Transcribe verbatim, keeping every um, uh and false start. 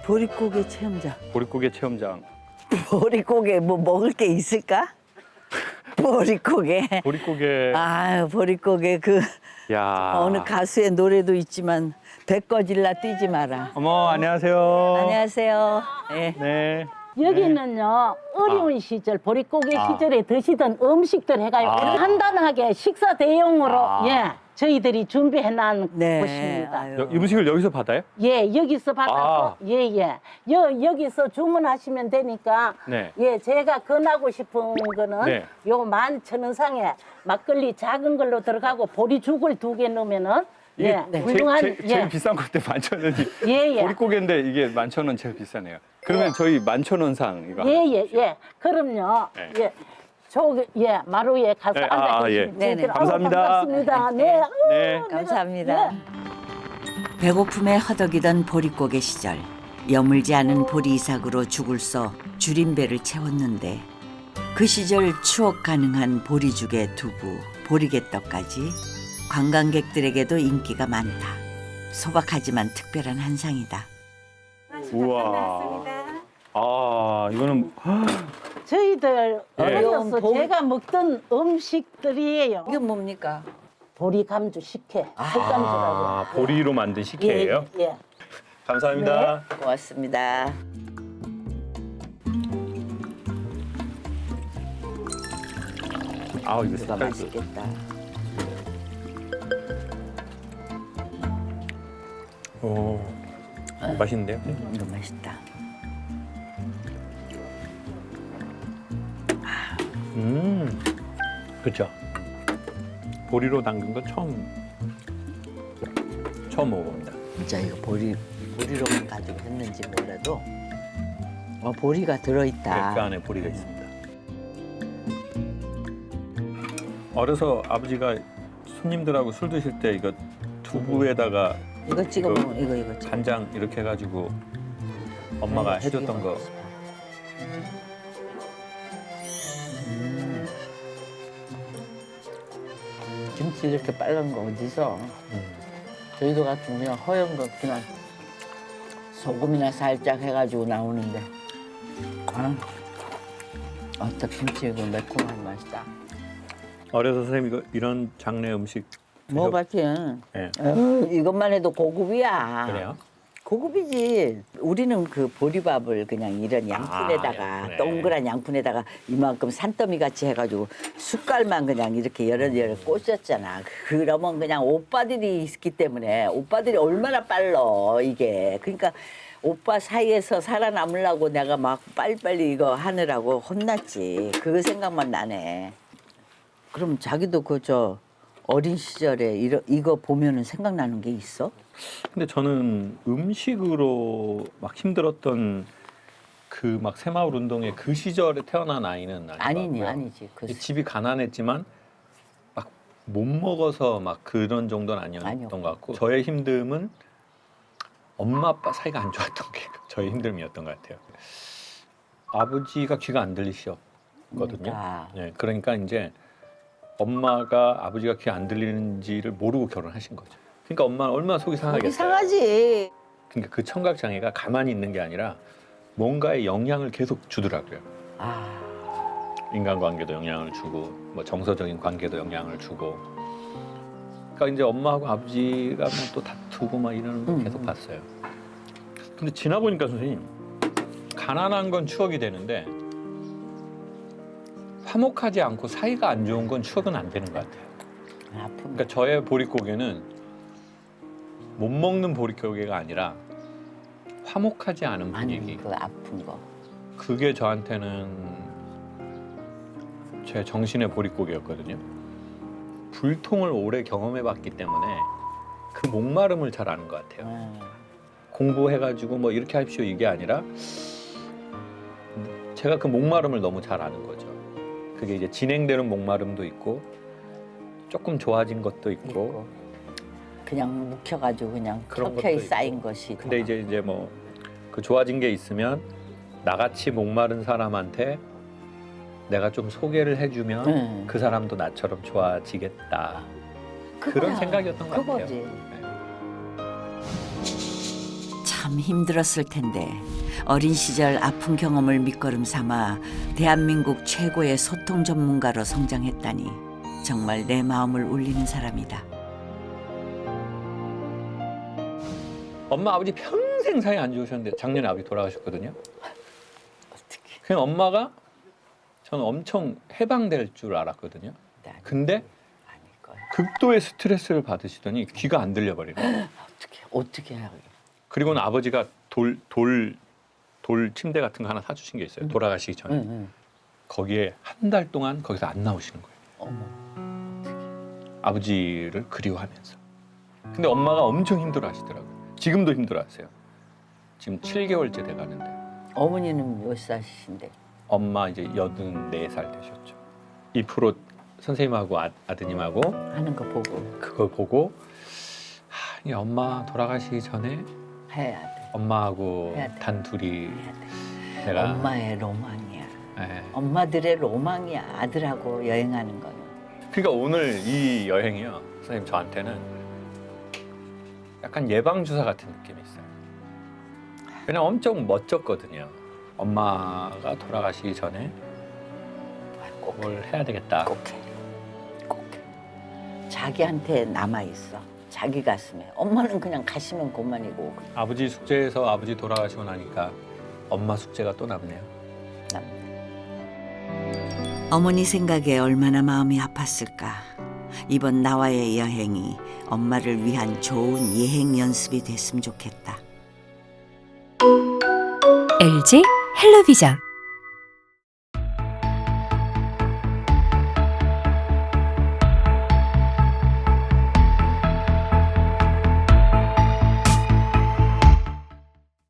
보릿고개 체험장. 보릿고개 체험장. 보릿고개 뭐 먹을 게 있을까? 보릿고개. 보릿고개. 아유, 보릿고개 그 야. 어느 가수의 노래도 있지만 배 꺼질라 뛰지 마라. 어머, 안녕하세요. 안녕하세요. 예. 네. 여기는요 어려운 아. 시절 보릿고개 아. 시절에 드시던 음식들 해가지고 아. 간단하게 식사 대용으로 아. 예 저희들이 준비해 놓은 네. 곳입니다. 아유. 여- 이 음식을 여기서 받아요? 예 여기서 받아서 아. 예예 여 여기서 주문하시면 되니까 네. 예 제가 권하고 싶은 거는 네. 요 만천원상에 막걸리 작은 걸로 들어가고 보리죽을 두 개 넣으면은 이게 예 제- 훌륭한 제, 예 제일 비싼 건데 만천 원이. 예, 예. 보릿고개인데 이게 만천 원 제일 비싸네요. 그러면 저희 만천 원상 이거. 예, 하나 예, 주십시오. 예. 그럼요. 네. 예. 저기, 예, 마루에 가서 네, 앉아 아, 계시면 예. 네네. 아우, 감사합니다. 반갑습니다. 네. 아우, 네. 내가- 감사합니다. 예. 배고픔에 허덕이던 보릿고개 시절 여물지 않은 보리 이삭으로 죽을 써 줄인 배를 채웠는데 그 시절 추억 가능한 보리죽에 두부, 보리개떡까지 관광객들에게도 인기가 많다. 소박하지만 특별한 한상이다. 우와. 아, 이거는 저희들 예. 어려서 봄- 제가 먹던 음식들이에요. 이게 뭡니까? 보리 감주 식혜, 흑감주라고. 아, 보리로 만든 식혜예요? 예, 예. 감사합니다. 고맙습니다. 아우, 이거 이거 색깔도. 맛있겠다. 오. 맛있는데요? 이거 맛있다. 음. 그렇죠. 보리로 담근 건 처음 처음 먹어봅니다. 진짜 이거 보리 보리로만 가지고 했는지 몰라도 어, 보리가 들어있다. 네, 그 안에 보리가 있습니다. 어려서 아버지가 손님들하고 술 드실 때 이거 두부에다가 이거 찍어 이거 먹으면 이거 이거 찍어. 간장 이렇게 해가지고 엄마가 네, 해줬던 되게 거. 맛있어. 음. 김치 이렇게 빨간 거 어디서? 음. 저희도 같은 그냥 허연 거 그냥 소금이나 살짝 해가지고 나오는데 아, 어떤 김치 이거 매콤한 맛이다. 어려서 선생님 이거 이런 장르 음식 드셔- 먹어봤지? 예. 에휴, 이것만 해도 고급이야. 그래요? 고급이지. 우리는 그 보리밥을 그냥 이런 양푼에다가 아, 양푼에. 동그란 양푼에다가 이만큼 산더미 같이 해가지고 숟갈만 그냥 이렇게 여러 여러 꽂았잖아. 그러면 그냥 오빠들이 있기 때문에 오빠들이 얼마나 빨라 이게. 그러니까 오빠 사이에서 살아남으려고 내가 막 빨리빨리 이거 하느라고 혼났지. 그 생각만 나네. 그럼 자기도 그 저 어린 시절에 이러, 이거 보면은 생각나는 게 있어? 근데 저는 음식으로 막 힘들었던 그 막 새마을 운동의 그 시절에 태어난 아이는 아닌 아니니 것 같고요. 아니지. 그 집이 가난했지만 막 못 먹어서 막 그런 정도는 아니었던 아니었고. 것 같고 저의 힘듦은 엄마 아빠 사이가 안 좋았던 게 저의 힘듦이었던 것 같아요. 아버지가 귀가 안 들리셨거든요. 그러니까. 네, 그러니까 이제 엄마가 아버지가 귀 안 들리는지를 모르고 결혼하신 거죠. 그러니까 엄마는 얼마나 속이 상하겠어요. 이상하지. 그러니까 그 청각 장애가 가만히 있는 게 아니라 뭔가에 영향을 계속 주더라고요. 아, 인간관계도 영향을 주고 뭐 정서적인 관계도 영향을 주고. 그러니까 이제 엄마하고 아버지가 뭐 또 다투고 막 이러는 거 음, 계속 음. 봤어요. 근데 지나 보니까 선생님 가난한 건 추억이 되는데 화목하지 않고 사이가 안 좋은 건 추억은 안 되는 것 같아요. 아픔. 그러니까 저의 보릿고개는 못 먹는 보릿고개가 아니라 화목하지 않은 분위기. 아니 그 아픈 거. 그게 저한테는 제 정신의 보릿고개였거든요. 불통을 오래 경험해봤기 때문에 그 목마름을 잘 아는 것 같아요. 음. 공부해가지고 뭐 이렇게 하십시오 이게 아니라 제가 그 목마름을 너무 잘 아는 거죠. 그게 이제 진행되는 목마름도 있고 조금 좋아진 것도 있고. 있고. 그냥 묵혀가지고 그냥 그런 켜켜이 것도 쌓인 있고. 것이. 근데 더. 이제 이제 뭐 그 좋아진 게 있으면 나같이 목마른 사람한테 내가 좀 소개를 해주면 응. 그 사람도 나처럼 좋아지겠다. 그런 그거야. 생각이었던 것 그거지. 같아요. 네. 참 힘들었을 텐데 어린 시절 아픈 경험을 밑거름 삼아 대한민국 최고의 소통 전문가로 성장했다니 정말 내 마음을 울리는 사람이다. 엄마 아버지 평생 사이 안 좋으셨는데 작년에 아버지 돌아가셨거든요. 어떻게? 그냥 엄마가 저는 엄청 해방될 줄 알았거든요. 근데 아닐 거야. 극도의 스트레스를 받으시더니 귀가 안 들려버리는 거예요. 어떻게 어떻게 해요? 그리고는 아버지가 돌, 돌, 돌 침대 같은 거 하나 사주신 게 있어요. 돌아가시기 전에. 응, 응. 거기에 한 달 동안 거기서 안 나오시는 거예요. 어머. 아버지를 그리워하면서. 근데 엄마가 엄청 힘들어 하시더라고요. 지금도 힘들어 하세요. 지금 칠 개월째 돼 가는데. 어머니는 몇 살이신데? 엄마 이제 여든네 살 되셨죠. 이 프로 선생님하고 아, 아드님하고 하는 거 보고 그걸 보고 하, 이 엄마 돌아가시기 전에 해야 돼. 엄마하고 해야 돼. 단둘이 해야 돼. 내가 엄마의 로망이야. 예. 엄마들의 로망이야. 아들하고 여행하는 거는. 그러니까 오늘 이 여행이요, 선생님 저한테는 약간 예방 주사 같은 느낌이 있어요. 그냥 엄청 멋졌거든요. 엄마가 돌아가시기 전에 꼭 뭘 해야 되겠다. 꼭 해. 꼭 해. 자기한테 남아 있어. 자기 가슴에. 엄마는 그냥 가시면 그만이고. 아버지 숙제에서 아버지 돌아가시고 나니까 엄마 숙제가 또 남네요. 남. 어머니 생각에 얼마나 마음이 아팠을까. 이번 나와의 여행이 엄마를 위한 좋은 예행 연습이 됐으면 좋겠다. 엘지 헬로비전